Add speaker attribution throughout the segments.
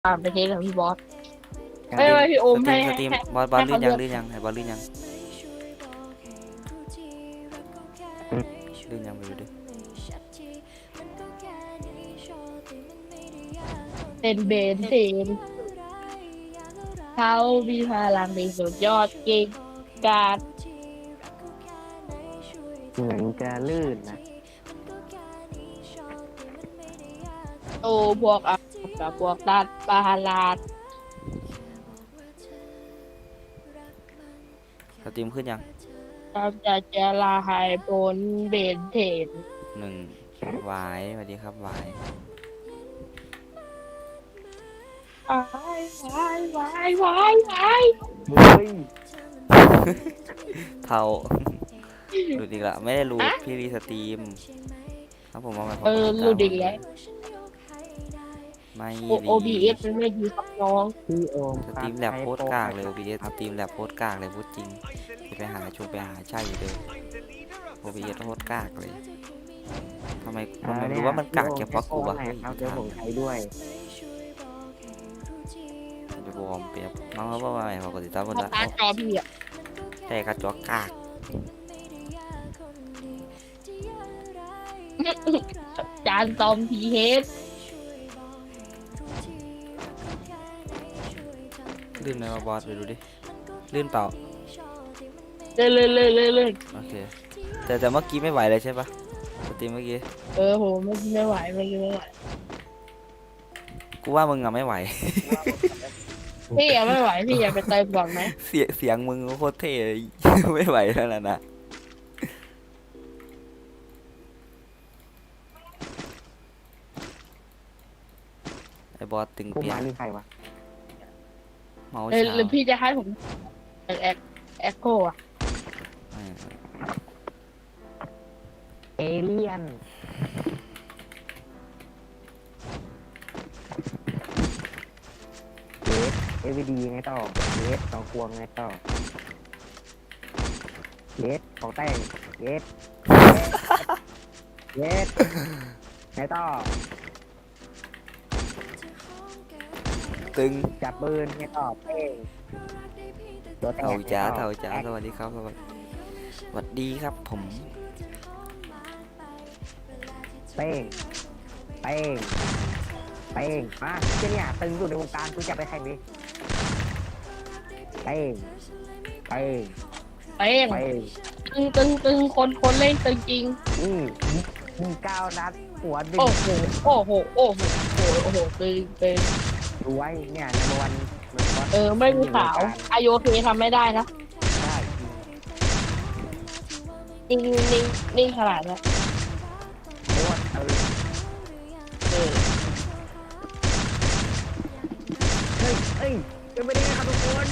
Speaker 1: ไปเทสกับพี่บอส
Speaker 2: การ
Speaker 1: ไม่ไม่พี่โอม
Speaker 2: สตรี
Speaker 1: ให้
Speaker 2: มสตรีม
Speaker 1: ให้
Speaker 2: บอสลื่นยัง
Speaker 1: ให้เขาเลือก
Speaker 2: ลื่นยังให้บอสลื่นยังลื่นยังไปดูดิ
Speaker 1: เป็นเบนเทนเขามีพลังในสุดยอดเก่งกาจ
Speaker 3: เหมือนจะลื่นนะ
Speaker 1: โตพวกอับกับพวกตัดปาลาด
Speaker 2: สตรีมขึ้นยัง
Speaker 1: กำจัดเจลาหายผลเบนเทน
Speaker 2: หนึ่งหวายสวัสดีครับหวาย
Speaker 1: วายวายวายวายวาย
Speaker 3: เฮ้ย
Speaker 2: เท่า ดูดีละไม่ได้รู้พี่รีสตรีมครับผมเอาไป
Speaker 1: รู้ดีแล้ว
Speaker 2: ไม่
Speaker 1: OBS มันไม่ดีครับน้อง
Speaker 3: พี่โอม
Speaker 2: สตรีมแลบโคตรกากเลย OBS สตรีมแลบโคตรกากเลยพูดจริงไปหาใช่เลย OBS โคตรกากเลยทำไมรู้ว่ามันกากเฉพาะกูวะ
Speaker 3: ครับเดี๋ยวผมใช้ด้วย
Speaker 2: จะบอมเปียบน้องเขาบอกว่าไงปกติตามคน
Speaker 1: เพราะ
Speaker 2: ละ
Speaker 1: ตาจอพี่อะ
Speaker 2: แต่กระจกกาก
Speaker 1: จานตอมพีเฮด
Speaker 2: ลื่นไหมมาบอสไปดูดิลื่นเปล่า
Speaker 1: เลย
Speaker 2: โอเคแต่เมื่อกี้ไม่ไหวเลยใช่ปะสตรีมเมื่อกี้
Speaker 1: โหไม่ไหวไม่ไหว
Speaker 2: กูว่ามึงอะไม่ไหว
Speaker 1: พี่ยังไม่ไหวพี่อยากไปเติมก่อนไหม
Speaker 2: เสียงมึงโคตรเท่ ไม่ไหวแล้วนะไอ้บอสตึง
Speaker 3: ผู้
Speaker 2: เปีย
Speaker 3: มาก นี่ใครวะ
Speaker 2: เมาส์
Speaker 1: หรือ
Speaker 2: เช้า
Speaker 1: พี่จะให้ผมแอคโคอะ
Speaker 3: เอเลี่ยนเอวีดีไงต่อเลสสองควงไงต่อเลสของแต่งเลสไงต่อ
Speaker 2: ตึง
Speaker 3: จับปืนไงต่อเป้งตัวแต่ง
Speaker 2: เท่า
Speaker 3: ไง
Speaker 2: จ้า
Speaker 3: ต่อ
Speaker 2: เท่าจ้าสวัสดีครับสวัสดีครับผม
Speaker 3: เป้งเป้งเป้งมาเจ้าเนี่ยตึงสุดในวงการกูจะไปแข่งดิเป้งเป้ง
Speaker 1: เป้ง
Speaker 3: เป้ง
Speaker 1: ตึงคนเล่นตึงจริง
Speaker 3: ยิง9 นัดหัวดึง
Speaker 1: โอ้โหตึง
Speaker 3: ดูไว้เนี่ยในวันมันก็
Speaker 1: ไม่มีขาวไอโอเคทำไม่ได้นะ
Speaker 3: ได้
Speaker 1: นิ่งขนาดนี้
Speaker 3: โคตรเฮ้ยเป็นไปได้ไงครับทุกคน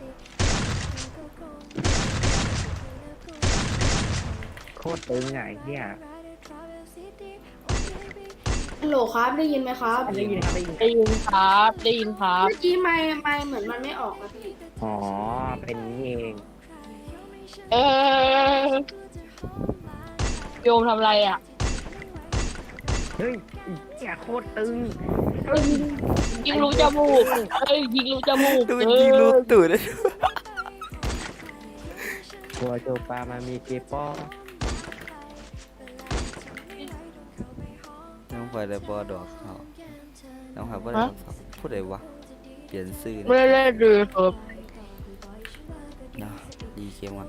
Speaker 3: โคตรตึงไงเนี่ย
Speaker 4: ฮัลโหลครับได้ยินไหมครับ
Speaker 3: ได้ยินครับได้ยิน
Speaker 1: ได้ยินครับ
Speaker 4: เมื่อกี้ไม่เหมือนมันไม่ออกครับพี่
Speaker 3: อ๋อเป็นนี้เอง
Speaker 1: เออโยมทำอะไรอ่ะ
Speaker 3: เฮ้ยเนี่ยโคตรตึง
Speaker 1: ยิงรูจมูกยิงรูจมูก
Speaker 2: ดูยิงลูกตูด
Speaker 3: กัวโจปามามีเกปอ
Speaker 2: น้องไฟเลยบอดอกเขาน้องไฟบ่ได้พูดอะไรวะเปลี่ยนซื่อ
Speaker 1: ไม่ได้ดูครับ
Speaker 2: นะดีเกมก่อน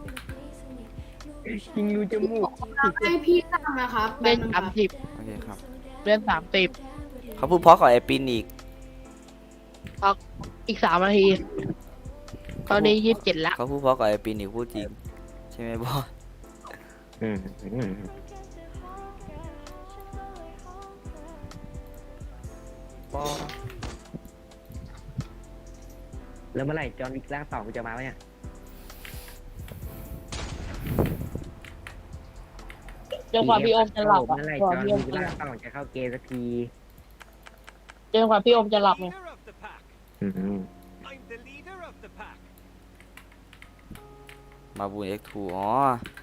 Speaker 3: ยิงรูจมูก
Speaker 4: ให้พี่ตั้งนะครับ
Speaker 1: เล่น
Speaker 4: แป๊บนึงครับ
Speaker 1: 30
Speaker 2: โอเคครับ
Speaker 1: เล่น30
Speaker 2: เขาพูดเพราะกับไอ้ปินอีก
Speaker 1: อีก3 นาที ตอนนี้27ละ
Speaker 2: เขาพูดเพราะกับไอ้ปินอีกพูดจริงใช่ไหมบอส
Speaker 3: ปอแล้วเมื่อไหร่จอห์นวิกร่าง2กูจะมาวะเนี่ย
Speaker 1: จนกว่าพี่โอมจะหลับ
Speaker 3: เมื่อไหร่
Speaker 1: กว่า
Speaker 3: จอห์น
Speaker 1: พี่โอม
Speaker 3: วิก
Speaker 1: จะห
Speaker 3: ร่า
Speaker 1: ลั
Speaker 3: ง
Speaker 1: บ
Speaker 3: 2จะเข้าเกมสักที
Speaker 1: จนกว่าพี่โอมจะหลับไง
Speaker 2: มาบูน X2 อ๋อ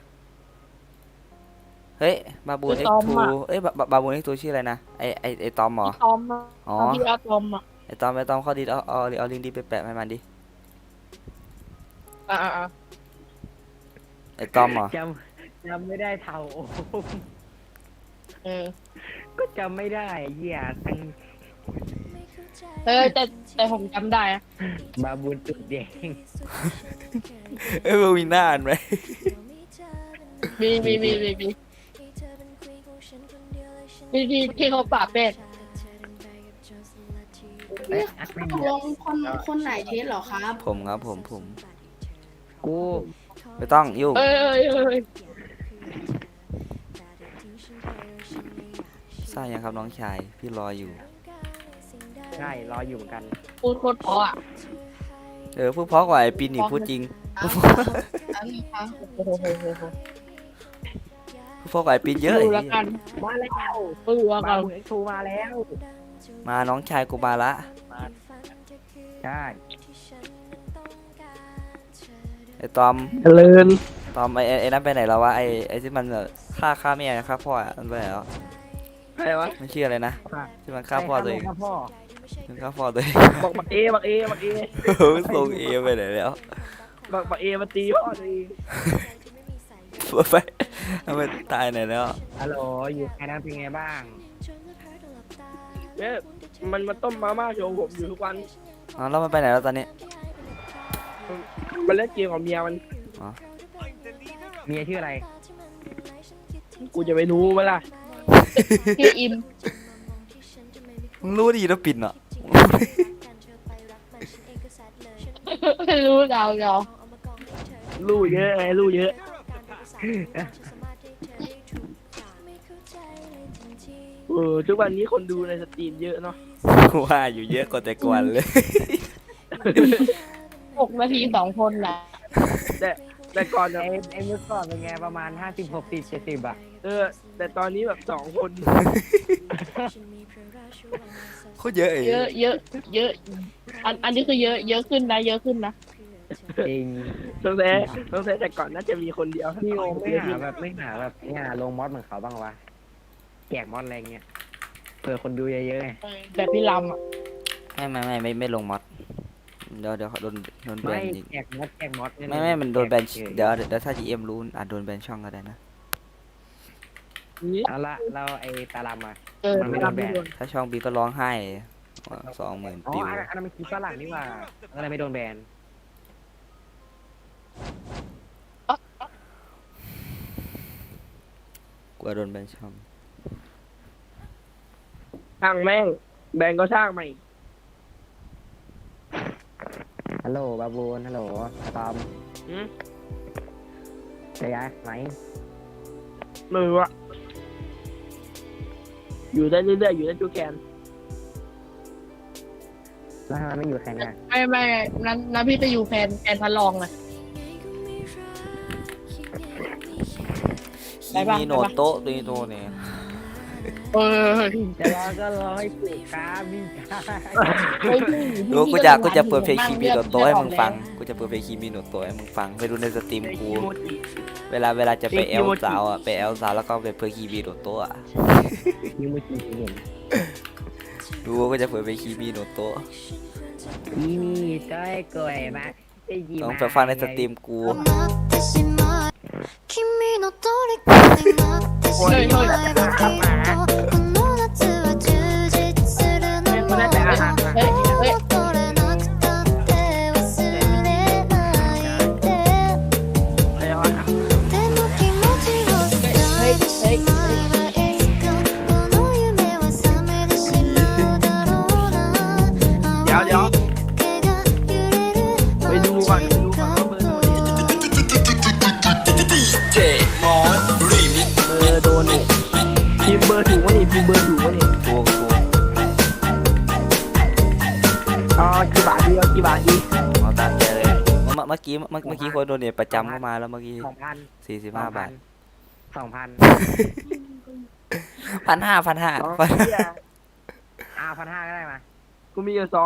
Speaker 2: เฮ้ยบาบูน X2 เอ้ยบาบูน X2 ชื่ออะไรนะไอตอมเหรอ
Speaker 1: ตอม
Speaker 2: อ๋อ
Speaker 1: พี่อาตอมอ่ะ
Speaker 2: ไอ้ตอมเข้าดิเอาลิงก์ดิไปแปะให้มันดิ
Speaker 1: อ่า
Speaker 2: ไอ้ตอมเหรอ
Speaker 3: จำไม่ได้เท่าโอ้โห
Speaker 1: เออ
Speaker 3: ก็จำไม่ได้เหี้ยตั้ง
Speaker 1: แต่ผมจำได้นะ
Speaker 3: บาบูนตุดแดง
Speaker 2: เอ้ยมึงมีหน้าอ่านไหม
Speaker 1: มีที่เขาปราบเป็ด
Speaker 4: นี่ตกลงคนไหนเทสเหรอครับ
Speaker 2: ผมครับผม
Speaker 3: กู
Speaker 2: ไม่ต้องยุ่ง
Speaker 1: เอ้ย
Speaker 2: ทราบยังครับน้องชายพี่รออยู่
Speaker 3: ใช่รออยู่เหมือนกัน
Speaker 1: พูดโคตรเพราะอ่ะ
Speaker 2: พูดเพราะกว่าไอ้ปินอีกพูดจริง
Speaker 4: อันนี้ครับ
Speaker 1: โอ้โห
Speaker 2: พูดเพราะกว่าไอ้ปินเยอะ
Speaker 1: ดู
Speaker 2: ไอ้
Speaker 1: แล้ว
Speaker 2: เหี้ย
Speaker 1: กัน
Speaker 3: มาแล้ว
Speaker 1: ดูแล้ว
Speaker 3: บา
Speaker 1: กัน
Speaker 3: บูนเอ็กซ์ทูมาแล้ว
Speaker 2: มาน้องชายกูมาละ
Speaker 3: ใช่
Speaker 2: ไอ้ตอม
Speaker 1: เลิน
Speaker 2: ตอมไอ้นั่นไปไหนแล้ววะไอ้ที่มันฆ่าแม่ฆ่าพ่ออะมันไปไหนแล้ว
Speaker 1: ใครวะ
Speaker 2: มันชื่ออะไรนะที่มันฆ่าพ่อตัวเอง
Speaker 3: ฆ่าพ่อ
Speaker 2: มันฆ่าพ่อตัวเอง
Speaker 1: บักเอ
Speaker 2: ส่งเอไปไหนแล้ว
Speaker 1: บักเอมาตีพ่อตัวเอง
Speaker 2: ไปทำไมตายไหนแล้ว
Speaker 3: ฮัลโหลอยู่แค่นั้นเป็นไงบ้าง
Speaker 1: เนี่ยมันมาต้มมาม่าโชว์ผมอยู่ทุกวัน
Speaker 2: อ๋อแล้วมันไปไหนแล้วตอนนี้
Speaker 1: มันเล่นเกมกับเมียมัน
Speaker 3: เมียชื่ออะไร
Speaker 1: กูจะไปรู้ไหมล่ะชื่ออิม
Speaker 2: มึงรู้ดีแล้วปิดเนาะ
Speaker 1: รู้เรารู้เยอะไงรู้เยอะทุกวันนี้คนดูในสตรีมเยอะเนาะ
Speaker 2: ว่าอยู่เยอะกว่าแต่ก่อนเลย
Speaker 1: 6 นาที 2 คนนะแต่ก่อน
Speaker 3: ไอ้เมื่อก่อนเป็นไงประมาณ50 60 70อ่ะ
Speaker 1: แต่ตอนนี้แบบ2 คน
Speaker 2: โคตรเยอะเอง
Speaker 1: เยอะอันนี้คือเยอะขึ้นนะเยอะขึ้นนะ
Speaker 3: จริง
Speaker 1: ต้องแท้แต่ก่อนน่าจะมีคนเดียว
Speaker 3: พี่โอไม่หาแบบลงมอสเหมือนเขาบ้างวะแจกมอสอะไรเงี้ยเผื่อคนดูเยอะๆไง
Speaker 1: แต่พี่ลำอ่ะ
Speaker 2: ไม่ลงมอดเดี๋ยวโดนแบ
Speaker 3: ไม่
Speaker 2: นอีก
Speaker 3: แจกมอส
Speaker 2: ไม่มันโดนแบนเดี๋ยวถ้า GM รู้อาจโดนแบนช่องก็ได้นะ
Speaker 3: เอาละเราไอ้ตาลำมา
Speaker 1: มันไม่โดนแบน
Speaker 2: ถ้าช่องบีก็ร้องไห้20,000
Speaker 3: อ๋อ
Speaker 2: ปิว
Speaker 3: อันนั้นมันคลิปฝรั่งนี่ว่าอะไรไม่โดนแบน
Speaker 2: กลัวโดนแบนช่อง
Speaker 1: ช่างแม่งแบนก็ช่างใหม่
Speaker 3: ฮัลโหลบาบูนฮัลโหลตอม
Speaker 1: อืม
Speaker 3: จะย้ายไหม
Speaker 1: มือวะอยู่ได้เรื่อยๆอยู่ได้จูแกน
Speaker 3: แล้วทำไมไม่อยู่แค่เนี้ย
Speaker 1: ไม่นั้นพี่ไปอยู่แฟนพันลองเลย
Speaker 2: คีมีโนโตะตัวนี้ตัวเนี่ย
Speaker 3: จะรอก็รอให้ถูกครับวิ่งครับ
Speaker 2: ดูกูจะเปิดเพลงคีมีโนโตะให้มึงฟังกูจะเปิดเพลงคีมีโนโตะให้มึงฟังไปดูในสตรีมกูเวลาจะไปแอลสาวอ่ะไปแอลสาวแล้วก็ไปเปิดคีมีโนโตะอ่ะ
Speaker 3: ยิงมือจีเห็น
Speaker 2: ดูก็จะเปิดเพลงคีมีโนโตะ
Speaker 3: นี่จ้อยกล้วยมาได้ยิน
Speaker 2: ต้องไปฟังในสตรีมกู
Speaker 5: 君の虜になってしまえばきっとこの夏は充実するのも戻れなくたって忘れないででも気持ちを伝えてしまえばいつかこの夢は覚めてしまうだろうな青い毛が揺れる
Speaker 1: ไปดูก่อนว่าเบอร์โดนนี่พิมพ์เบอร์ถูกวะนี่พิมพ์เบอร์ถูกวะนี่
Speaker 2: กู
Speaker 1: อ๋อกี่บาทดี
Speaker 2: เอาตามใจเลยเมื่อกี้คนโดนเนี่ยประจำเข้ามาแล้วเมื่อกี้ 45 บาท
Speaker 3: 2,000
Speaker 2: 1,500
Speaker 1: อ๋อ
Speaker 3: 1,500ก็ได้มา
Speaker 1: กูมีอยู่200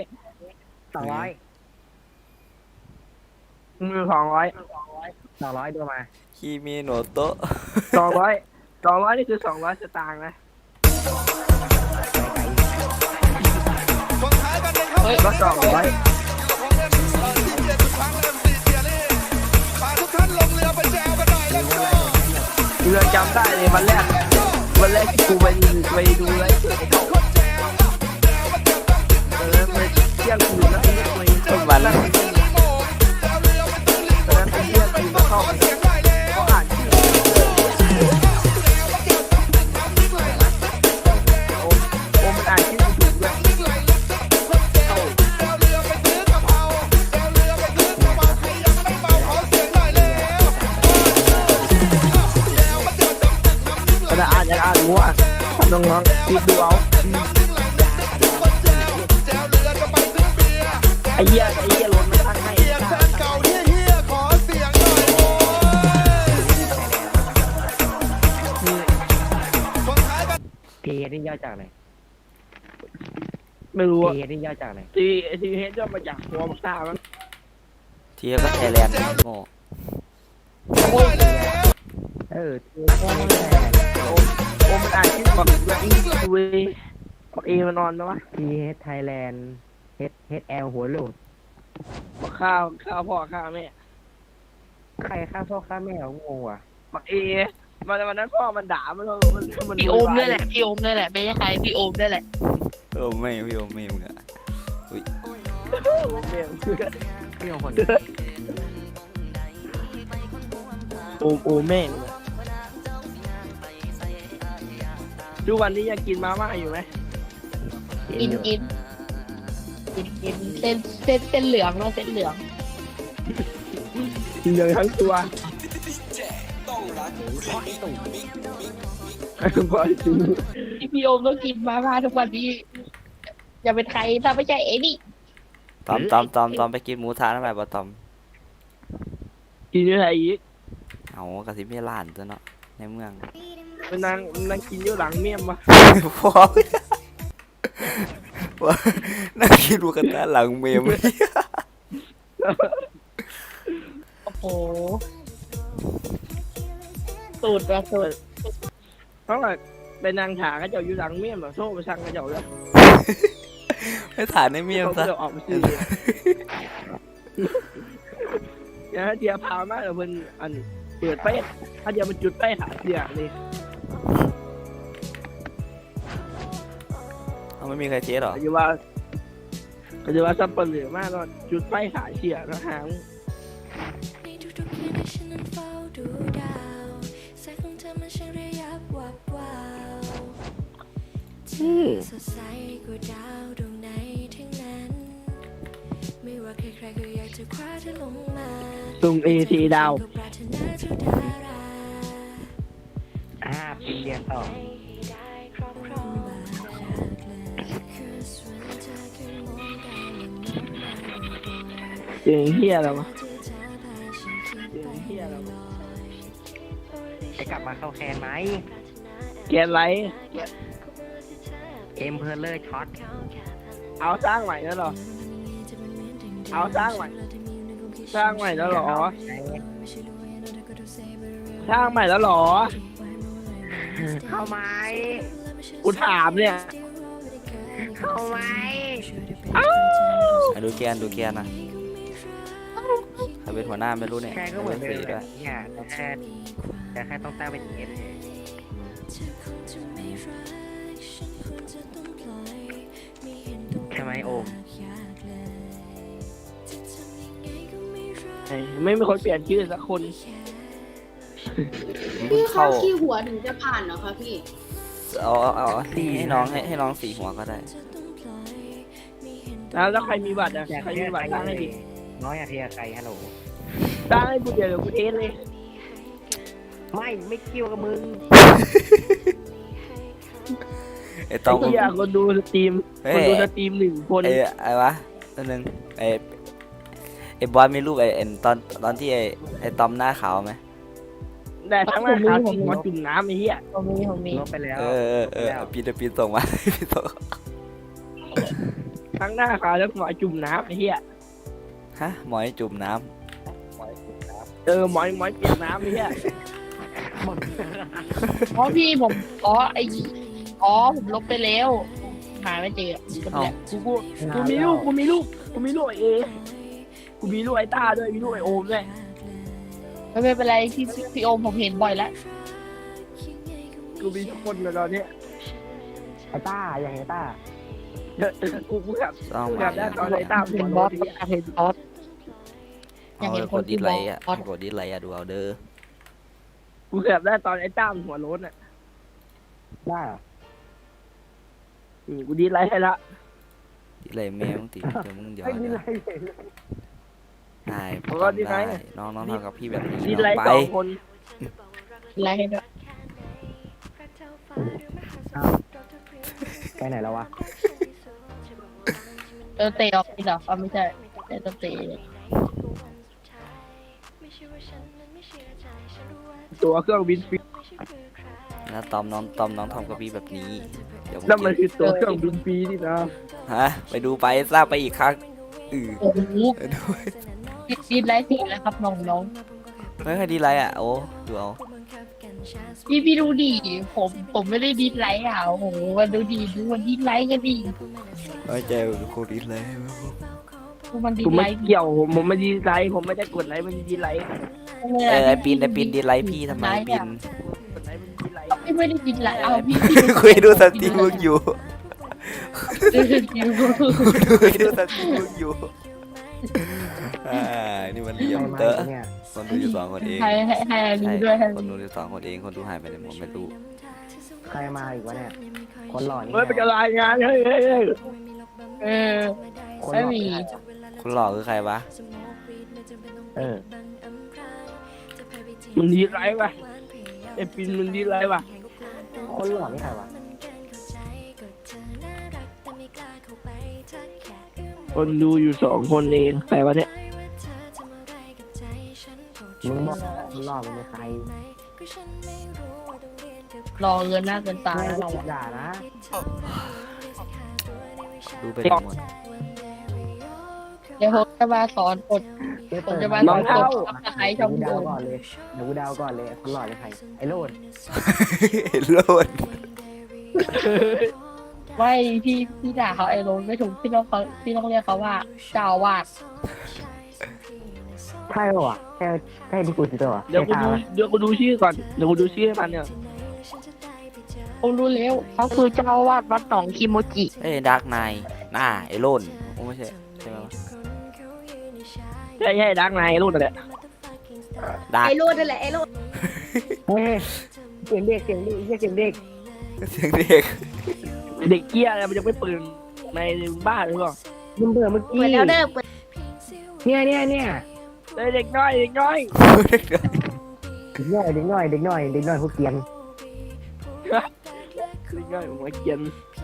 Speaker 3: 200
Speaker 1: มือ200
Speaker 3: ดูมา
Speaker 2: คีมีโนโตะ
Speaker 1: 200นี่คือ200 สตางค์นะ
Speaker 3: ไ
Speaker 1: เฮ้ย
Speaker 6: ก็200กูยังจำได้เลยวันแรกที่กูไปดูไลฟ์ไปเที่ยงคืนแล้วไอ้เนี่ย
Speaker 2: ต้นวัน
Speaker 6: ตอนนั้นไปเที่ยงคืนแล้วเข้าไปเขาอ่านชื่อโอมมันอ่านชื่อกูถูกด้วยแต่อ่านยังอ่านมั่วน้องๆคิดดูเอาไอ้เหี้ยรถมันตั้งให้
Speaker 3: พีนี่ย่อจากอะไร
Speaker 6: ไม่รู้อะ
Speaker 3: พีนี่ย่อจากอะไร
Speaker 6: ทีเฮดย่อมาจากหัวมักซ่ามั้ง
Speaker 2: ทีก็ไทยแลนด์โง่
Speaker 3: เออ
Speaker 6: โอมันอ่านชื่อบอกว่าอีเวเอมันนอนนะวะ
Speaker 3: ทีเฮดไทยแลนด์เฮดแอลหัวโหลด
Speaker 6: บอกข้าวพ่อข้าวแม่
Speaker 3: ใครฆ่าพ่อฆ่าแม่ของงงว่ะ
Speaker 6: บอกเอวันนั้นพ่อมันด่ามัน
Speaker 1: พี่โอมด้วยแหละพี่โอมด้วยแหละไม่ใช่ใครพี่โอมด้วยแหละ
Speaker 2: โอ้ไม่พี่โอ้ไม่มึงอะ
Speaker 3: พี่ของคน
Speaker 6: โอแม่งทุกวันนี้ยังกินมาม่าอยู่ไหม
Speaker 1: กินเส้นเหลืองเนาะเส้นเหลือง
Speaker 6: กินเลยทั้งตัวพ่อจริง
Speaker 1: พี่โอมต้องกินมาม่าทุกวันนี้อย่าเป็นใครถ้าไม่ใช่เอ็นี่
Speaker 2: ตอมไปกินหมูทะทำไมบ่ตอม
Speaker 6: กินอะไรอีก
Speaker 2: เอากระสิบไม่ล้านตัวเนาะในเมือง
Speaker 6: มันนั่งกินอยู่หลังเมี่ยมวะ
Speaker 2: พ่อว่านั่งกินหมูกระทะหลังเมม
Speaker 1: โอ้โหสูตรละสูตร
Speaker 6: เพราะว่าไปนั่งถาเขาเจ้าอยู่หลังเมี่ยมแบบโซ่ไปสั่งเขาเจ้าเลย
Speaker 2: ไม่ถ่ายในเมม
Speaker 6: เขา
Speaker 2: ซะ
Speaker 6: จะออกมาซื้อเนี่ยเดียพามากเลยเพิ่นอันเปิดไฟถ้าเดียมันจุดไฟหาเสียนี่
Speaker 2: เอาไม่มีใครเช็ดหรอ
Speaker 6: ก็จะว่าซับเปลือมากก็จุดไฟหาเสียนะฮะ
Speaker 5: ในทุกๆคืนที่ฉันนั้นเฝ้าดูดาวแสงของเธอมันช่างระยับวับวาวเธอสดใสกว่าดาวดวงไหนทั้งนั้นไม่ว่าใครๆก็อยากจะคว้าเธอลงมา
Speaker 6: ตรงเอทีดาว
Speaker 5: ก็ปรารถนาทุกดารา
Speaker 3: ปีเรียนต่อ
Speaker 5: ให้ได้ครอบครองบาดแผลคือส่วนเธอแค่มองดาวและมองมาบ่อย
Speaker 6: เสียงเฮียแล้ววะ
Speaker 5: ๆที่เธอพาฉันคิด
Speaker 6: เสียงเฮียแล้ว
Speaker 3: จะกลับมาเข้าแคนไหม
Speaker 6: แกนไร
Speaker 3: เอ็มเพลเลอร์ช็อต
Speaker 6: เอาสร้างใหม่แล้วเหรอ เอาสร้างใหม่สร้างใหม่แล้วเหรอสร้างใหม่แล้วเหรอ
Speaker 3: เข้าไหม
Speaker 6: กูถามเนี่ย
Speaker 3: เข้าไหม
Speaker 2: ดูแกนนะใครเป็นหัวหน้าไม่รู้เนี่ย
Speaker 3: แค่ก็เหมือน
Speaker 2: ป็
Speaker 3: เดิม
Speaker 2: สีด้วย
Speaker 3: เนี่ยแต่แค่ต้องตั้งเป็นเอส ใช่ไหมโอม
Speaker 6: ไม่มีคนเปลี่ยนชื่อสักคน
Speaker 4: พี่
Speaker 2: เข้า
Speaker 4: คะขี้หัวถึงจะผ่านเหรอคะพี่
Speaker 2: เอาให้น้องสีหัวก็ได้
Speaker 6: แล้วใครมีบัตรอ่ะใครมีบัตรสร้างให้ดิ
Speaker 3: น้อยอะเทียใครฮัลโหล
Speaker 6: สร้างให้กูเดี๋ยวกูเทสเลย
Speaker 3: ไม่เกี่ยวกับมึง
Speaker 2: ไอ้ตอม
Speaker 6: ไอ้เหี้ยคนดูสตรีม
Speaker 2: เฮ้ย
Speaker 6: คนดูสตรีม1 คน
Speaker 2: ไอ้วะตัวนึงไอ้บอสมีรูปไอ้ตอนที่ไอ้ตอมหน้าขาวไหม
Speaker 6: ได้ทั้งหน้าขาวจริงมาจุ่มน้ำไอ้เหี้ย
Speaker 1: ผมมี
Speaker 3: ลบไปแล้ว
Speaker 2: ปีนส่งมา ปีนส่ง
Speaker 6: ทั้งหน้าขาวแล้วหมอจุ่มน้ำไอ้เหี้ย
Speaker 2: ฮะหมอยจุ่มน้
Speaker 6: หมอยเปียกน้ำไอ้เหี้ย
Speaker 1: อ๋อพี่ผมผมลบไปแล้วหาไม่เจอคน
Speaker 2: เอ้า
Speaker 1: แหละ
Speaker 6: กูมีลูกไอเอกูมีลูกไอต้าด้วยมีลูกไอโอมด้วย
Speaker 1: ไม่เป็นไรพี่โอมผมเห็นบ่อยแล้ว
Speaker 6: กูมีทุกคนเลยตอนเนี้ย
Speaker 3: ไอ้ต้าอย่างไอ้ต้า
Speaker 6: กูแบบ
Speaker 2: ต้อง
Speaker 6: กู
Speaker 2: มา
Speaker 6: แบบได้ตอนไอต้าหั
Speaker 1: เห็
Speaker 6: วน
Speaker 1: บ
Speaker 6: โล
Speaker 1: อส
Speaker 6: ที
Speaker 1: อยากเห็นบอส อยากเห็น
Speaker 2: เอา
Speaker 1: คน
Speaker 2: กดดิ
Speaker 1: ที่
Speaker 2: สไลค์อ่ะ
Speaker 1: บอส
Speaker 2: กดดิสไลค์อ่ะดูเอาเด้อ
Speaker 6: กูแบบได้ตอนไอต้าหัวโล้นอ่ะ
Speaker 3: ได้เหรอ
Speaker 6: กูดีไลท์ให้ละ
Speaker 2: ดิสไลค์แม่มึงติเดี๋ยวมึงเดี๋ยว
Speaker 3: ไม่มี
Speaker 2: เดี๋ยว
Speaker 3: ไรเลย
Speaker 2: ได้
Speaker 6: ผมก็ดิสไล
Speaker 2: ได้
Speaker 6: ค์
Speaker 2: น้องทำกับพี่แบบนี้
Speaker 6: ดี
Speaker 2: น้
Speaker 6: ไล
Speaker 2: อง
Speaker 6: ท์
Speaker 2: ไป
Speaker 6: 2 คน
Speaker 1: ไลค์ให้ด้วย
Speaker 3: ไปไหนแล้ววะ
Speaker 1: เตะออกนี่เหรออ๋อไม่ใช่เตะ
Speaker 6: ตัวเครื่องบินฟรี
Speaker 2: นะตอมน้องทำกับพี่แบบนี้เดี๋ยวมึง
Speaker 6: นั่นมัน
Speaker 2: เจอ
Speaker 6: คือตัวเครื่องบินฟรีนี่นะ
Speaker 2: ฮะไปดูไปทราบไปอีกครั้ง
Speaker 1: โอ้โห
Speaker 2: ไปดู
Speaker 1: ดีไลค์สิแล้วครับน้อง
Speaker 2: ไม่เคยดีไลค์อ่ะโอ้ดูเอา
Speaker 1: ๆพี่ดูดิผมไม่ได้ดีไลค์อ่ะโอ้โหมันดูดิดูมันดีไลค์กันดิ
Speaker 2: ไม่ใจโคตรดีไลค์
Speaker 1: ดูมันดี
Speaker 6: กู
Speaker 1: ไล
Speaker 6: ไม่
Speaker 1: ค์
Speaker 6: เกี่ยวผมไม่ดีไลท์ผมไม่ได้กดไลท์มันดีไลท์
Speaker 2: ไอปินดีไลค์พี่ทำไมปิน
Speaker 6: กดไลท์มันดีไลท์
Speaker 1: พี่ไม่ได้ดีไลค์เอาพี่
Speaker 2: คุยดูสตรีมมึงอยู่
Speaker 1: ดู
Speaker 2: คุยดูสตรีมมึงอยู่นี่มันเหลี่ยม
Speaker 3: ใครมา
Speaker 2: เตอะ
Speaker 3: เนี่ย
Speaker 2: คนดูอยู่2 คนเอง
Speaker 1: ให้อันนี้
Speaker 2: ใช่
Speaker 1: ด้วยให้
Speaker 2: คนดูอยู่2 คนเองคนดูหายไปไหนหมดไม่รู้
Speaker 3: ใครมาอีกวะเนี่ย คนหล่อนี่
Speaker 6: เฮ้ยเป็นรายงานเฮ้ย
Speaker 1: เออ
Speaker 3: คนห
Speaker 1: ไม่
Speaker 3: ล่อ
Speaker 1: มี
Speaker 3: นี่ใครวะ
Speaker 2: คนหล่อคือใครวะ
Speaker 3: เออ
Speaker 6: มันดีไลท์ป่ะไอปินมันดีไลท์ป่ะ
Speaker 3: คนหล่อนี่ใครวะ
Speaker 6: คนดูอยู่2 คนเองใครวะเนี่ย
Speaker 3: มึงบอกคนหล่อมึงเป็นใคร
Speaker 1: รอเงินหน้าเกินตา
Speaker 3: ไม่
Speaker 1: แล้ว
Speaker 3: ได้
Speaker 1: เรา
Speaker 3: ด่านะ
Speaker 2: ดูไปหมด
Speaker 1: เดี๋ยวผมจะมาสอนกด
Speaker 3: เดี๋ยว
Speaker 1: ผ
Speaker 3: เปิ
Speaker 1: ม
Speaker 3: ด
Speaker 1: จะมา
Speaker 3: มา
Speaker 1: สอนกดซับสไครต์ช่อง
Speaker 3: กู
Speaker 1: โด
Speaker 3: เดาว
Speaker 1: ม
Speaker 3: ก่อนเลยเดี๋ยวกูเดาวก่อนเลยคนหล่อเป็นใครไอ้โรด
Speaker 2: โลด
Speaker 1: ไม่พี่ด่าเขาไอ้โรนไม่ถูกพี่ต้องเรียกเขาว่าเจ้าอาวาด
Speaker 3: ใช่ปะวะใช่ที่กูจิตตัว
Speaker 6: เดี๋ยวกูดูชื่อก่อนเดี๋ยวกูดูชื่อให้มันเนี่ย
Speaker 1: ผมรู้แล้วเขาคือเจ้าอาวาดวัดหนองคิโมจิ
Speaker 2: เอ้ดาร์กไนไอ้โลนโอ้ไม่ใช่ใช่ไหมวะ
Speaker 6: ใช่ดังนายรุ่นอะไร
Speaker 2: ดาร์ก
Speaker 4: ไอ้โรดนั่นแหละไอ้โรด
Speaker 3: เฮ้ยเสียงเด็กเสียงเด็กเสียงเด็ก
Speaker 2: เสียงเด็ก
Speaker 6: เด็กเกี้ยอะไรมันยังไม่ปืนในบ้านหรือเปล่า
Speaker 3: มึงเบื่อเมื่อกี้
Speaker 4: เปิดแล้วเด้อเปิด
Speaker 3: เนี่ย
Speaker 6: เด็กน้อย
Speaker 3: เด็กน้อยพวกเกียน
Speaker 6: ผมมาเขียน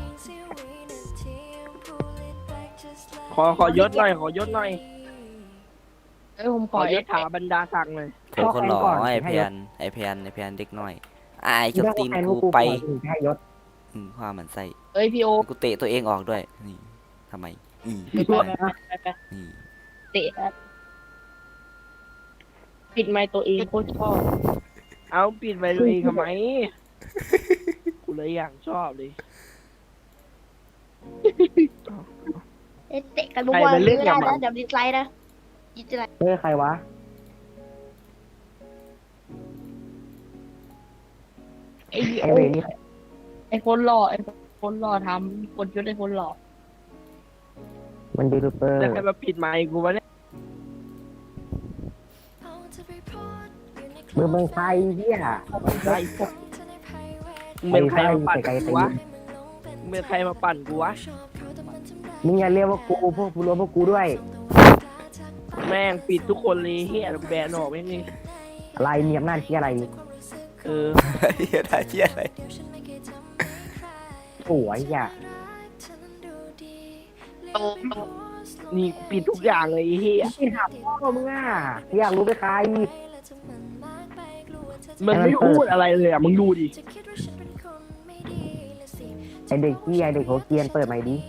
Speaker 6: ขอยศหน่อยขอยศหน่อย
Speaker 1: ผมข
Speaker 6: ข
Speaker 1: อ
Speaker 6: อยศถาบรรดาศักดิ์หน่อย
Speaker 2: คนหล่อไอ้แพนเด็กน้อยไอ้เจ้าตีนกูไป
Speaker 3: ให้ยศ
Speaker 2: ความมันใส่
Speaker 1: เอ้ยพี่โอ
Speaker 2: กูเตะตัวเองออกด้วยนี่ทำไมนี่
Speaker 1: ไปเตะปิดไมค์ตัวเองโคตรชอบ
Speaker 6: เอาปิดไปตัวเองทำไมกูเลยอย่างชอบเลย
Speaker 4: เตะกันบัวไม่ได้นะเดี๋ยวดิสไลด์นะดิสไลด์
Speaker 3: เฮ้ยใครวะ
Speaker 1: ไอ้
Speaker 3: ไอเวนี่
Speaker 1: ไอ้คนหล่อทำคนยุดไอ้คนหล่อ
Speaker 3: มันยูทูบเบอร์
Speaker 6: แล้วใครมาปิดไมค์กูวะเนี่ย
Speaker 3: มึงเป็นใครเหี้ย
Speaker 6: ไอ้พวกมึงเป็นใครมาปั่นกูวะมึงเป็นใครมาปั่นกูวะ
Speaker 3: มึงอย่าเรียกว่ากูพวกกูรวมพวกกูด้วย
Speaker 6: แม่งปิดทุกคนเลยเฮียแบนออกไม่นี่
Speaker 3: อะไรมีอำนาจที่อะไร
Speaker 6: เออ
Speaker 2: เฮียได้เฮียอะไร
Speaker 3: โอ้ยอย่า
Speaker 6: นี่ปิดทุกอย่างเลยเฮีย
Speaker 3: ที่ถามพ่อมึงอ่ะอยากรู้เป็นใคร
Speaker 6: มันไม่พูดอะไรเลยอ่ะมึงดูดิ
Speaker 3: ไอเด็กที่ไอเด็กหัวเกรียนเปิดใหม่ดิ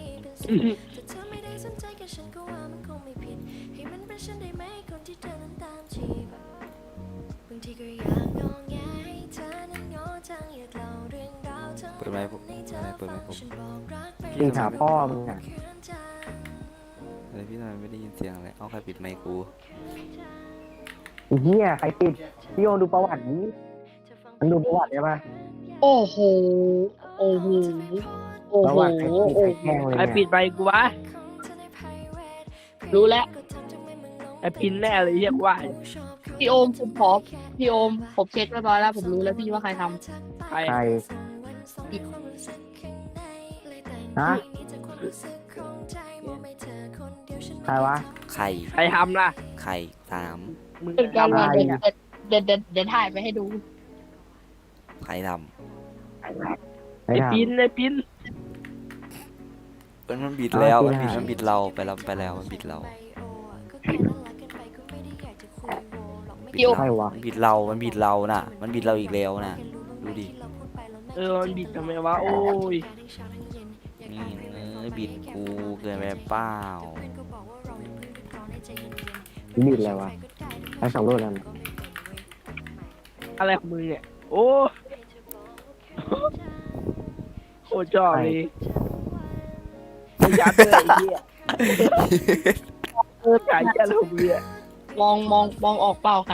Speaker 5: บางทีก็อยากงอแงให้เธอนั้นงอจังอยากเล่าเรื่องราว
Speaker 2: เปิดไมค์ผมเปิดไมค์ผม
Speaker 3: ตีหาพ่อมึงอ่ะ
Speaker 2: อะไรพี่ทำไมไม่ได้ยินเสียงอะไรเอาใครปิดไมค์กู
Speaker 3: ไอ้เหี้ยใครปิดพี่โยดูประวัตินี้มันดูประวัติได้ปะ
Speaker 1: โอ้โหโอ้โหโอ้
Speaker 3: ประ
Speaker 1: โห
Speaker 3: วัติใครปิดใครแกล้งเลย
Speaker 6: ไอ้ปิ
Speaker 3: เนี่ย
Speaker 6: ดไปกูวะ
Speaker 1: รู้แล้ว
Speaker 6: ไอ้ปินแน่เลยเรียกว่า
Speaker 1: พี่โอมผมขอพี่โอมผมเช็คเรียบร้อยแล้วผมรู้แล้วพี่ว่าใครท
Speaker 6: ใคร
Speaker 3: ใครฮะใครวะ
Speaker 2: ไข่
Speaker 6: ใครทำล่ะ
Speaker 2: ไข่สาม
Speaker 6: มึง
Speaker 1: ำเป็นการ
Speaker 6: ทำ
Speaker 1: มา
Speaker 6: อะไร
Speaker 1: เดี๋ยวถ่ายไปให้ดู
Speaker 2: ไข่ด
Speaker 3: ใคร
Speaker 6: ไอ้
Speaker 3: ทำ
Speaker 6: ปินไอ้ปิน
Speaker 2: ำมันบิดแล้วมันบิดเราไปแล้วมันบิดเรา
Speaker 1: พี่โอม
Speaker 3: ใครวะ
Speaker 2: มันบิดเราน่ะ มันบิดเราอีกแล้วน่ะดูดิ
Speaker 6: มันบิดทำไมวะโอ้ย
Speaker 2: นี่บิดกูเกินไปเปล่า
Speaker 3: บิดอะไรวะใครสองรูปนั้น
Speaker 6: อะไรของมึงเนี่ยโอ้โคตรชอบเลยยัดเลยไอ้เหี้ยขายยัดเลยมึงเนี่ย
Speaker 1: มองออกเปล่าใคร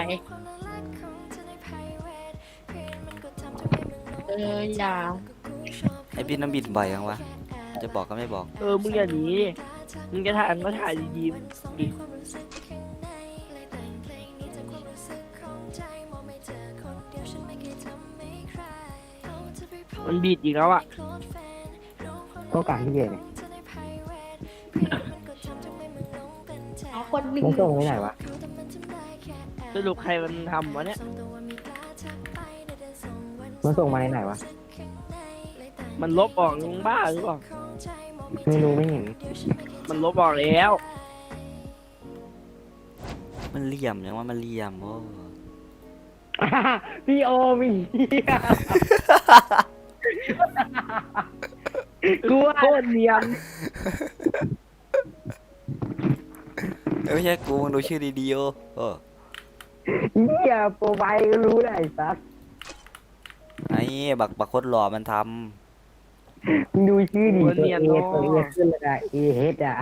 Speaker 1: อย่า
Speaker 2: ไอ้พี่น้ำบิดบ่อยยังวะจะบอกก็ไม่บอก
Speaker 6: มึงอย่าหนีมึงจะถ่ายก็ถ่ายดีๆดิมันบีดอีกแล้วอ่ะ
Speaker 3: ก็การที่เย่เนี่ย
Speaker 4: เอาคนหนึ่ง
Speaker 3: มันส่งไปไหนวะ
Speaker 6: สรุปใครมันทำวะเนี่ย
Speaker 3: มันส่งมาในไหนวะ
Speaker 6: มันลบออกมึงบ้าหรือเปล่า
Speaker 3: ไม่รู้ไม่เห็น
Speaker 6: มันลบออกแล้ว
Speaker 2: มันเหลี่ยมยังว่ามันเหลี่ยมโอ้
Speaker 3: พี่โอมีกูว่า
Speaker 6: โคตรเนียน
Speaker 2: ไม่ใช่กูมึงดูชื่อดีๆโอ้
Speaker 3: เหี้ยโปรไฟล์ก็รู้ได้สัส
Speaker 2: ไอ้บักโคตรหล่อมันท
Speaker 3: ดูชื่อดีตัวเอตัวเอขึ้นเลยได้เอเฮดอ่ะ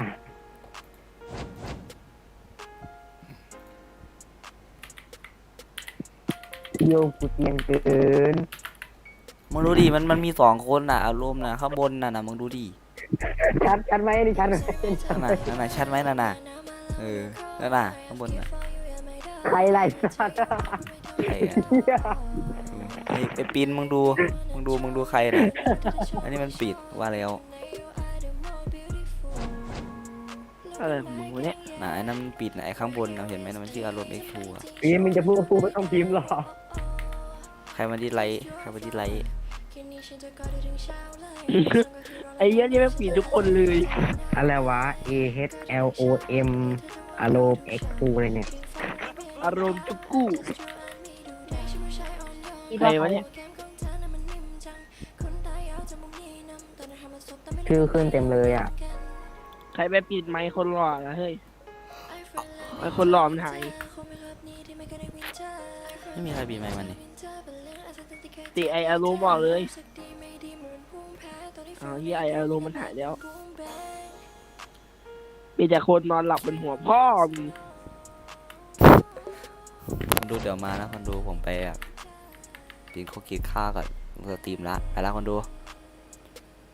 Speaker 3: โยกุเตียงเกิน
Speaker 2: ำมึงดูดิมันมี2 คนน่ะอารมณ์น่ะข้างบนน่ะมึงดูดิ
Speaker 3: ชัดไหมนี่ชัดไหมชัด
Speaker 2: นั่น
Speaker 3: ไหม
Speaker 2: น่ะชัดไหมนั่นน่ะนั่นน่ะข้างบนน่ะ
Speaker 3: ใครไล่สัตว์
Speaker 2: ใครอะ
Speaker 3: เหี้ย
Speaker 2: ไอ้ปีนมึงดูใครน่ะอันนี้มันปิดว่าแล้ว
Speaker 6: อะไรของมึงวะเนี่ย
Speaker 2: น่ะไอ้นั่นมันปิดน่ะไอ้ข้างบนน่ะเห็นไหมน่ะมันชื่ออารมณ์ X2 อ่ะ
Speaker 3: ปีมึงจะพูดไม่ต้องพิมพ์หรอก
Speaker 2: ใครมาดีไลท์
Speaker 6: ไอ้เหี้ยนี่ไม่ปิดทุกคนเลย
Speaker 3: อะไรวะ A H L O M อารมณ์ X 2อะไรเนี่ย
Speaker 6: อารมณ์จุกกู้ใครวะเนี่ย
Speaker 3: ชื่อขึ้นเต็มเลยอ่ะ
Speaker 6: ใครไปปิดไมค์คนหล่อละเฮ้ยไอ้คนหล่อมันหาย
Speaker 2: ไม่มีใครบีบไมค์มันนี่
Speaker 6: ตีไออารมณ์บอกเลยที่ไออารมณ์มันหายแล้วมีแต่คนนอนหลับบนหัวพ่อมึง
Speaker 2: คนดูเดี๋ยวมานะคนดูผมไปแบบกินข้าวกินข้าวกับสตรีมละไปละคนดู